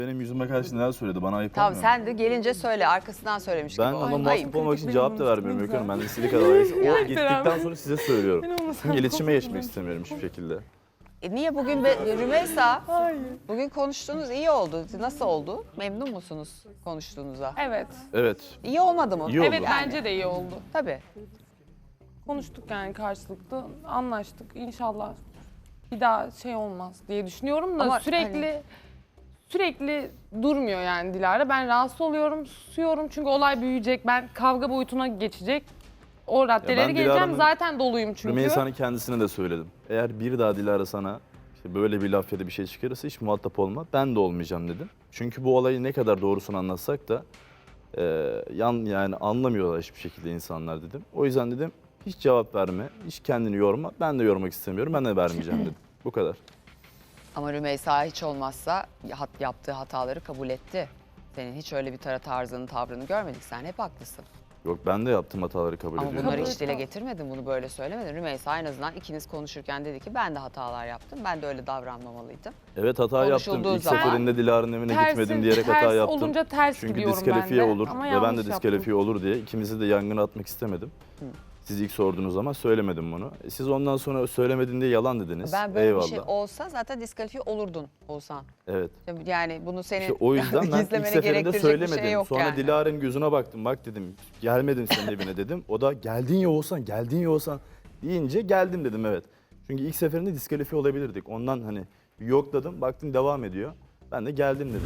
Benim yüzüme karşı neler söyledi bana ayıp Tamam olmuyor. sen de gelince söyle arkasından söylemiş Ben gibi. ona Ayıp. muhatap olmak için cevap da vermiyorum Öykü Hanım. Ben de istediği kadar. O gittikten sonra size söylüyorum. Çünkü iletişime geçmek istemiyorum hiçbir şekilde. Niye bugün Rümeysa? Bugün konuştuğunuz iyi oldu. Nasıl oldu? Memnun musunuz konuştuğunuza? Evet. Evet. İyi olmadı mı? İyi oldu. Evet bence de iyi oldu. Tabii. Konuştuk yani karşılıklı, anlaştık. İnşallah bir daha şey olmaz diye düşünüyorum da Ama sürekli durmuyor yani Dilara. Ben rahatsız oluyorum, susuyorum çünkü olay büyüyecek. Ben kavga boyutuna geçecek. O raddelere ben geleceğim. Dilara'nın- Zaten doluyum çünkü. Rümeysa'nın kendisine de söyledim. Eğer bir daha Dilara sana işte böyle bir laf ya da bir şey çıkarırsa hiç muhatap olma. Ben de olmayacağım dedim. Çünkü bu olayı ne kadar doğrusunu anlatsak da yani anlamıyorlar hiçbir şekilde insanlar dedim. O yüzden dedim hiç cevap verme, hiç kendini yorma. Ben de yormak istemiyorum, ben de vermeyeceğim dedim. Bu kadar. Ama Rümeysa hiç olmazsa yaptığı hataları kabul etti. Senin hiç öyle bir tarzını, tavrını görmedik. Sen hep haklısın. Yok ben de yaptığım hataları kabul Ama ediyorum. bunları hiç dile getirmedin, bunu böyle söylemedin. Rümeysa en azından ikiniz konuşurken dedi ki ben de hatalar yaptım. Ben de öyle davranmamalıydım. Evet hata yaptım. Konuşulduğu İlk zaman- seferinde Dilara'nın evine gitmedim diyerek hata ters yaptım. olunca ters Çünkü gidiyorum diskalifiye ben de. olur Ama ve ben yanlış de diskalifiye yaptım. olur diye ikimizi de yangına atmak istemedim. Siz ilk sorduğunuz zaman söylemedim bunu. Siz ondan sonra söylemedin diye yalan dediniz. Ben böyle Eyvallah. bir şey olsa zaten diskalifiye olurdun Oğuzhan. Evet. Yani bunu senin İşte o yüzden ben ilk gizlemeni seferinde gerektirecek söylemedim. bir şey yok Sonra yani. Dilara'nın gözüne baktım. Bak dedim gelmedim senin evine dedim. O da geldin ya Oğuzhan, geldin ya Oğuzhan deyince geldim dedim evet. Çünkü ilk seferinde diskalifiye olabilirdik. Ondan hani yokladım. Baktım devam ediyor. Ben de geldim dedim.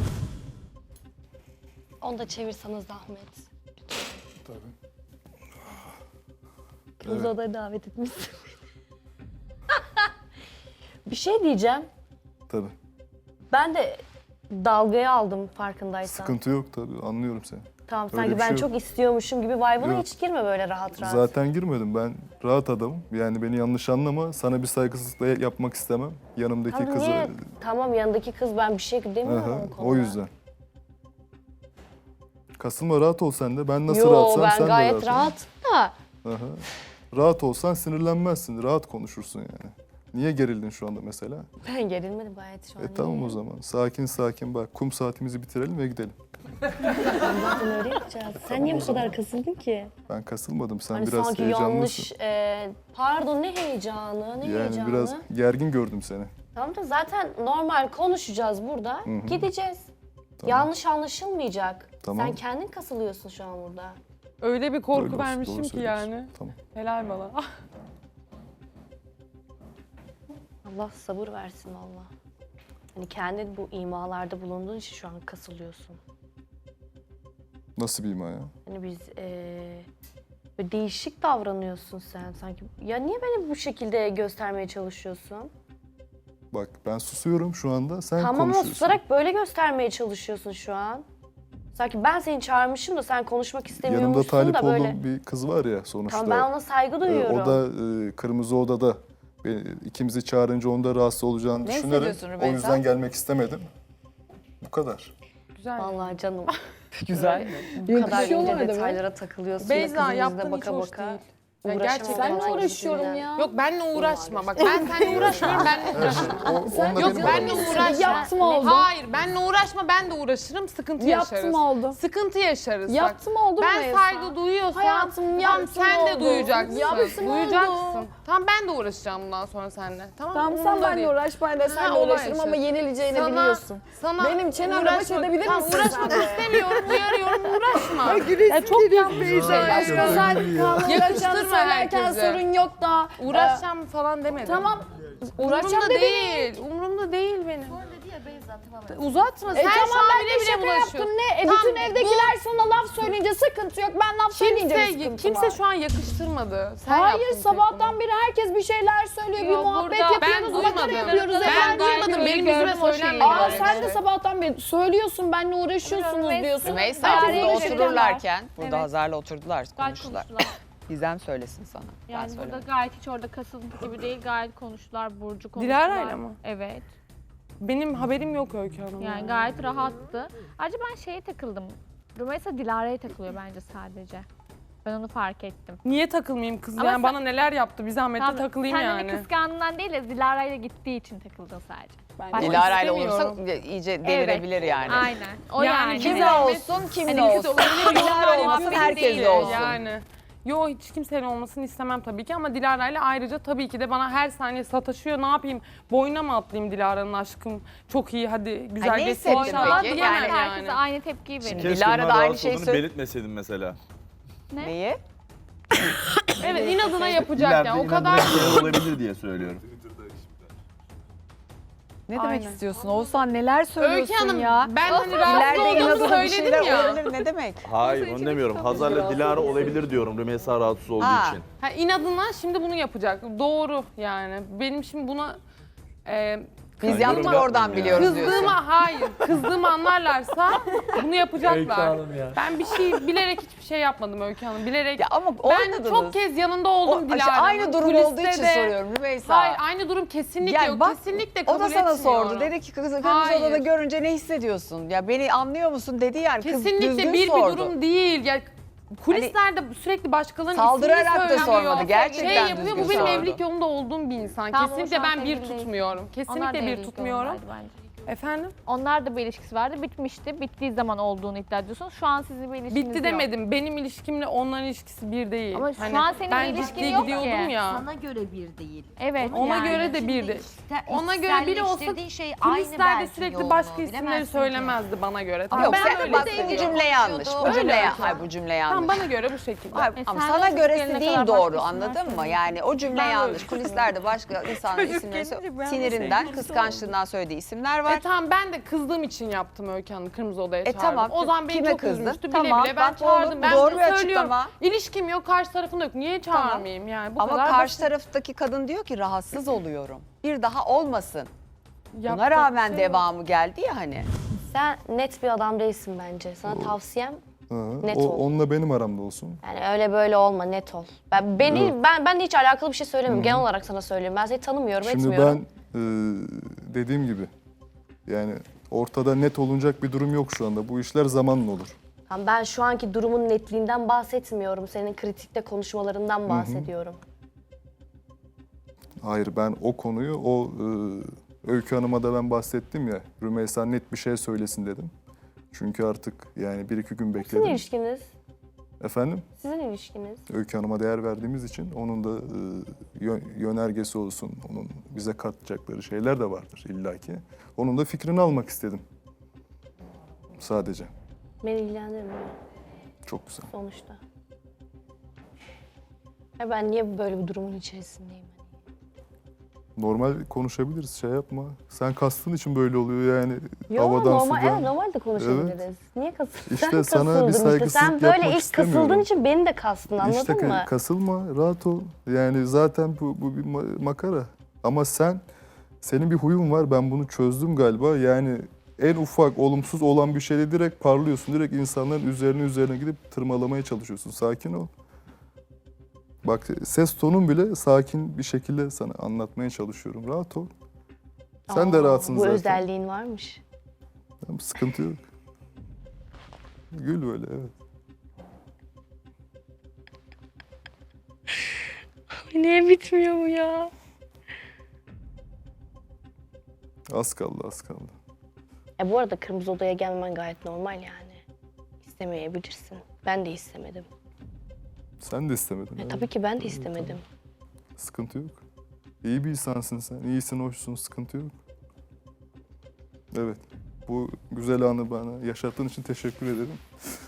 Onu da çevirseniz zahmet. Tabii. Kırmızı odaya davet etmişsin. Bir şey diyeceğim. Tabii. Ben de dalgaya aldım farkındaysan. Sıkıntı yok tabii. Anlıyorum seni. Tamam Öyle sanki bir ben şey yok. çok istiyormuşum gibi vibe'ına Yok. hiç girme böyle rahat rahat. Zaten girmedim. Ben rahat adamım. Yani beni yanlış anlama. Sana bir saygısızlık da yapmak istemem. Yanımdaki Tamam, kızı... niye? Tamam yanındaki kız ben bir şey demiyorum Aha, o konuda. o yüzden. Kasılma rahat ol sen de. Ben nasıl Yo rahatsam ben sen de gayet rahat ol. rahatım da. Aha. Rahat olsan sinirlenmezsin. Rahat konuşursun yani. Niye gerildin şu anda mesela? Ben gerilmedim gayet şu an. Tamam o zaman. Sakin sakin bak. Kum saatimizi bitirelim ve gidelim. Zaten öyle yapacağız. Sen niye bu kadar kasıldın ki? Ben kasılmadım. Sen Hani biraz sanki heyecanlısın. yanlış... pardon ne heyecanı, ne Yani heyecanı? biraz gergin gördüm seni. Tamam da zaten normal konuşacağız burada. Gideceğiz. Tamam. Yanlış anlaşılmayacak. Tamam. Sen kendin kasılıyorsun şu an burada. Öyle bir korku Öyle olsun, vermişim doğru ki söylüyorsun. yani. Tamam. Helal bana. Allah sabır versin valla. Hani kendin bu imalarda bulunduğun için şu an kasılıyorsun. Nasıl bir ima ya? Hani biz böyle değişik davranıyorsun sen sanki. Ya niye beni bu şekilde göstermeye çalışıyorsun? Bak ben susuyorum şu anda. Sen Tamam ama konuşuyorsun. susarak böyle göstermeye çalışıyorsun şu an. Sanki ben seni çağırmışım da sen konuşmak Yanımda istemiyormuşsun talip da böyle. olduğum bir kız var ya sonuçta. Tamam ben ona saygı duyuyorum. O da Kırmızı Oda'da. İkimizi çağırınca onda rahatsız olacağını Ne düşünerek hissediyorsun o Rümeysa? yüzden gelmek istemedim. Bu kadar. Güzel. Vallahi canım. Güzel. Bu kadar ince detaylara takılıyorsun. Beyza Beyza yaptığın yüzüne hiç baka hoş baka. değil. Ya Uğraşamam gerçekten falan çok gibisinden. uğraşıyorum ya. Yok benle uğraşma bak ben seninle uğraşmıyorum benle uğraşma. Onunla Yok benim benle aramda. uğraşma. Yaptım oldu. Hayır benle uğraşma ben de uğraşırım sıkıntı Yaptım yaşarız. oldu. Sıkıntı yaşarız bak. Yaptım oldu Ben Rümeysa. saygı duyuyorsam Hayatım, tamam, yaptım sen de oldu. duyacaksın. Yaptım duyacaksın. oldu. Tamam ben de uğraşacağım bundan sonra seninle. Tamam Tamam umurumda sen benimle değil. uğraş, ben de seninle olay uğraşırım ama yaşarız. yenileceğini Sana- biliyorsun. Sana Benim çenemle baş uğraşmak- edebilir Tamam, misin uğraşmak sen de? istemiyorum, uyarıyorum, uğraşma. Ya çok Ya, Aşkım sen Kaan'la Yakıştırma uğraşacağını söylerken herkese. sorun yok da. Uğraşacağım falan demedim. Tamam. Uğraşacağım Umurumda dedin. değil, umurumda değil benim. Uzatma, sen Tamam şu an ben de bile bile şaka bulaşıyorsun. yaptım ne? Tamam, Bütün evdekiler sana laf söyleyince sıkıntı yok. Ben laf söyleyince mi sıkıntı Kimse var? şu an yakıştırmadı. Sen Hayır yaptın sabahtan tek beri herkes bir şeyler söylüyor, bir Yok, muhabbet burada yapıyoruz, ben makara duymadım. yapıyoruz. Ben efendim. duymadım, benim yüzüme söylenmedi. Aa böyle sen de şey. sabahtan beri söylüyorsun, benimle uğraşıyorsunuz diyorsun. Rümeysa Herkes burada bir şey otururlarken, burada Evet. Hazar'la oturdular, Gayet konuştular. konuştular. Gizem söylesin sana. Ben Yani burada söylemem. gayet hiç orada kasıntı gibi değil. Gayet konuştular. Burcu konuştular. Dilara'yla mı? Evet. Benim haberim yok Öykü Hanım. Yani gayet rahattı. Ayrıca ben şeye takıldım. Rümeysa Dilara'ya takılıyor bence sadece. Ben onu fark ettim. Niye takılmayayım kız? Ama Yani sen- bana neler yaptı bir zahmet de takılayım sen yani. Sen de kıskandığından değil de Dilara'yla gittiği için takıldın sadece. bence. Dilara ile istemiyorum. olursa iyice delirebilir yani. Aynen. O Yani yani. Kimle Zahmet. olsun, kimle Hani olsun. öyle bir Dilara yorumlar olmasın, yapmak herkesle değil olsun. Yani. Yo hiç kimseyle olmasını istemem tabii ki ama Dilara ile ayrıca tabii ki de bana her saniye sataşıyor. Ne yapayım? Boyuna mı atlayayım Dilara'nın aşkım? Çok iyi hadi güzel ne geçsin hissettin inşallah peki? diyemem Yani Herkese aynı tepkiyi verir. Keşke Dilara bundan da aynı rahatsız şeyi olduğunu söyle- belirtmeseydin mesela. Neyi? Evet inadına yapacak İleride yani o inadına kadar. şeyler olabilir diye söylüyorum. Ne demek Aynen. istiyorsun? Oğuzhan neler söylüyorsun Öykü Hanım ya? ben hani rahatsız İleride olduğumu inadına bir söyledim şeyler ya. olabilir ne demek? Hayır onu demiyorum. Hazar'la Dilara olabilir diyorum Rümeysa rahatsız olduğu Ha. için. Ha, inadına şimdi bunu yapacak. Doğru yani. Benim şimdi buna Biz Yani yaptık yorum oradan yapmayın biliyoruz diyorsun. kızdığımı anlarlarsa bunu Öykü yapacaklar. Hanım ya. Ben bir şey bilerek hiçbir şey yapmadım Öykü Hanım. Bilerek. Ya ama Ben oynadınız. çok kez yanında oldum O- Dilara'nın. aynı durum Kuliste olduğu için de- soruyorum Rümeysa. Hayır aynı durum kesinlikle Ya yok. bak, Kesinlikle O kabul da sana etmiyorum. sordu. Dedi ki kırmızı Hayır. odada görünce ne hissediyorsun? Ya beni anlıyor musun dedi yani. Kız Kesinlikle düzgün bir sordu. durum değil. Ya kulislerde sürekli başkalarının Saldırarak ismini da söylüyor. sormadı, gerçekten Şey yapıyor. Bu düzgün benim sordu. evlilik yolunda olduğum bir insan. Tamam, o şu Kesinlikle an ben bir sevgili değil. tutmuyorum. Onlar da Kesinlikle bir evlilik tutmuyorum. yolundaydı bence. Efendim? Onlar da bir ilişkisi vardı. Bitmişti. Bittiği zaman olduğunu iddia ediyorsun. Şu an sizin bir ilişkiniz Bitti yok. demedim. Benim ilişkimle onların ilişkisi bir değil. Ama şu an senin ben bir ilişkin ciddiye yok gidiyordum ki. ya. Sana göre bir değil. Evet. Ona yani. göre de bir de. Ona göre biri olsa İçselleştirdiğin şey aynı kulislerde belki sürekli yoğunluğu, başka isimleri bilemezsin ki. söylemezdi bana göre. Yok ben sen öyle bak bu hissediyorum. cümle yanlış. Bu Öyle cümle Öykü hayır bu cümle yanlış. Tamam bana göre bu şekilde. Hayır, E ama sen sana de göresi çocuklarına değil kadar doğru başka anladın isimler mı? Yani o cümle Ben yanlış. öyle- Kulislerde başka insanların isimleri sinirinden, kıskançlığından söylediği isimler var. Tamam ben de kızdığım için yaptım Öykü Hanım kırmızı odaya çağırdım. Tamam, O zaman beni kime çok kızdın? üzmüştü Tamam, bile bile ben bak çağırdım. oğlum, Ben doğru de bir söylüyorum. açıklama. İlişkim yok karşı tarafında yok. Niye çağırmayayım yani? Bu Ama kadar karşı basit. taraftaki kadın diyor ki rahatsız oluyorum. Bir daha olmasın. Buna Yapacak rağmen bir şey yok. devamı geldi ya hani. Sen net bir adam değilsin bence. Sana tavsiyem Ha, Net o, ol. onunla benim aramda olsun. yani öyle böyle olma, net ol. Ben de hiç alakalı bir şey söylemiyorum. Genel olarak sana söylüyorum. Ben seni tanımıyorum, Şimdi etmiyorum. ben dediğim gibi yani ortada net olunacak bir durum yok şu anda. Bu işler zamanla olur. Tamam, ben şu anki durumun netliğinden bahsetmiyorum. Senin kritikte konuşmalarından bahsediyorum. Hayır ben o konuyu Öykü Hanım'a da ben bahsettim ya. Rümeysa net bir şey söylesin dedim. Çünkü artık yani 1-2 gün Sizin bekledim. ilişkiniz, Efendim? sizin ilişkiniz. Öykü Hanım'a değer verdiğimiz için onun da yönergesi olsun, onun bize katacakları şeyler de vardır illaki. Onun da fikrini almak istedim. Sadece. Beni ilgilendirmiyor Çok güzel. sonuçta. Ya ben niye böyle bir durumun içerisindeyim? Normal konuşabiliriz, şey yapma. Sen kastın için böyle oluyor yani. Yo, Havadan normal, sudan. evet, normal de konuşabiliriz. Niye kasıldın? İşte Sen sana bir kasıldın işte. saygısızlık Sen böyle yapmak ilk kasıldığın istemiyorum. için beni de kastın, anladın İşte mı? kasılma, rahat ol. Yani zaten bu bir makara. Ama senin bir huyun var, ben bunu çözdüm galiba. Yani en ufak olumsuz olan bir şeyde direkt parlıyorsun. Direkt insanların üzerine gidip tırmalamaya çalışıyorsun. Sakin ol. Bak ses tonun bile sakin bir şekilde sana anlatmaya çalışıyorum. Rahat ol. Sen de Aa, rahatsın bu zaten. özelliğin varmış. Tamam, sıkıntı yok. Gül böyle, evet. Niye bitmiyor bu ya? Az kaldı, az kaldı. Bu arada kırmızı odaya gelmen gayet normal yani. İstemeyebilirsin. Ben de istemedim. Sen de istemedin. evet. Tabii ki ben de istemedim. Sıkıntı yok. İyi bir insansın sen. İyisin, hoşsun, sıkıntı yok. Evet. Bu güzel anı bana yaşattığın için teşekkür ederim.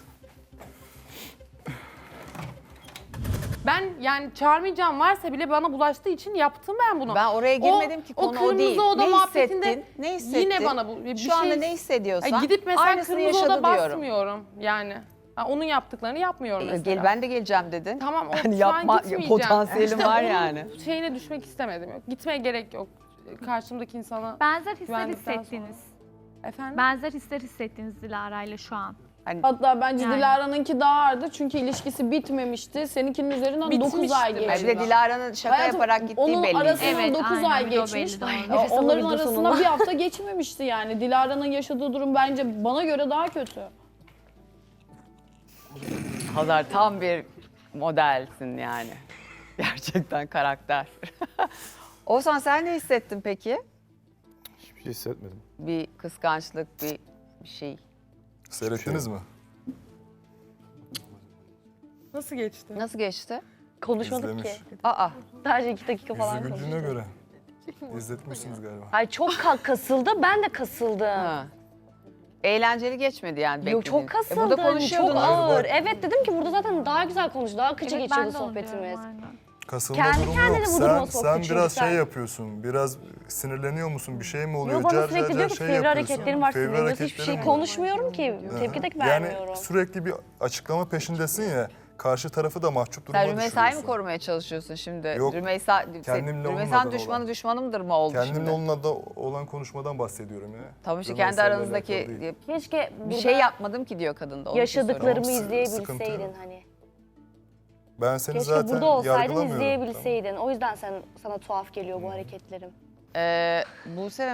Ben yani çağırmayacağım varsa bile bana bulaştığı için yaptım ben bunu. Ben oraya girmedim ki, konu o değil. kırmızı oda Ne muhabbetinde hissettin? Ne hissettin? yine bana bu bir Şu anda şey... ne hissediyorsan Ay gidip mesela aynısını kırmızı yaşadı oda diyorum. basmıyorum yani. Ha, onun yaptıklarını yapmıyorum mesela. Gel ben de geleceğim dedin. Tamam o Hani şu an yapma gitmeyeceğim. potansiyelim var onun yani. şeyine düşmek istemedim. Yok. Gitmeye gerek yok. Karşımdaki insana. Benzer hisler Güvendikten sonra. hissettiniz. Efendim? Benzer hisler hissettiniz Dilara ile şu an. Hatta bence Yani. Dilara'nınki daha ağırdı çünkü ilişkisi bitmemişti. Seninkinin üzerinden 9 Bitmişti ay bence. geçti. Bir de Dilara'nın şaka Hayatım, yaparak gittiği onun belliydi. arasından Evet, 9 aynen, ay bir de o geçmiş. belli, doğru. Nefes Onların alabilirdi arasında sonunda. bir hafta geçmemişti yani. Dilara'nın yaşadığı durum bence bana göre daha kötü. Hazar tam bir modelsin yani. Gerçekten karakter. Oğuzhan sen ne hissettin peki? Hiçbir şey hissetmedim. Bir kıskançlık, bir şey. Seyrettiniz mi? Nasıl geçti? Nasıl geçti? Konuşmadık İzlemiş. ki. Aa, Sadece 2 dakika Yüzü falan güldüğüne konuştuk. göre. İzletmişsiniz galiba. Ay çok kasıldı, ben de kasıldım. ha. Eğlenceli geçmedi yani. Yok beklediğin. çok kasıldım, Burada konuşuyordun. çok Hayır, ağır. bak. Evet dedim ki burada zaten daha güzel konuştu, daha akıcı Evet, ben geçiyordu de onu diyorum, sohbetimiz. aynen. Kasılma Kendi durumu kendine yok. bu duruma Sen soktu çünkü biraz sen. şey yapıyorsun. Biraz sinirleniyor musun? Bir şey mi oluyor? Yo bana Car sürekli car diyor car ki şey fevri yapıyorsun. hareketlerim var, Fevri sinirleniyorsun. Hiçbir hareketlerin şey var. konuşmuyorum ki, Aha. tepki de Yani vermiyorum. sürekli bir açıklama peşindesin ya. Karşı tarafı da mahcup duruma Sen Rümeysa'yı mı düşürüyorsun. korumaya çalışıyorsun şimdi? Yok, kendimle Rümeysa'nın olmadan düşmanı olan. düşmanımdır mı oldu Kendimle şimdi? onunla da olan konuşmadan bahsediyorum ya. Tamam işte Rümeysa kendi ile aranızdaki alakalı değil. Keşke bir burada şey yapmadım ki diyor kadın da. onu yaşadıklarımı Tamam, sıkıntı izleyebilseydin yok. hani. Ben seni Keşke zaten burada olsaydın yargılamıyorum. izleyebilseydin. O yüzden sana tuhaf geliyor bu hareketlerim. Buse ve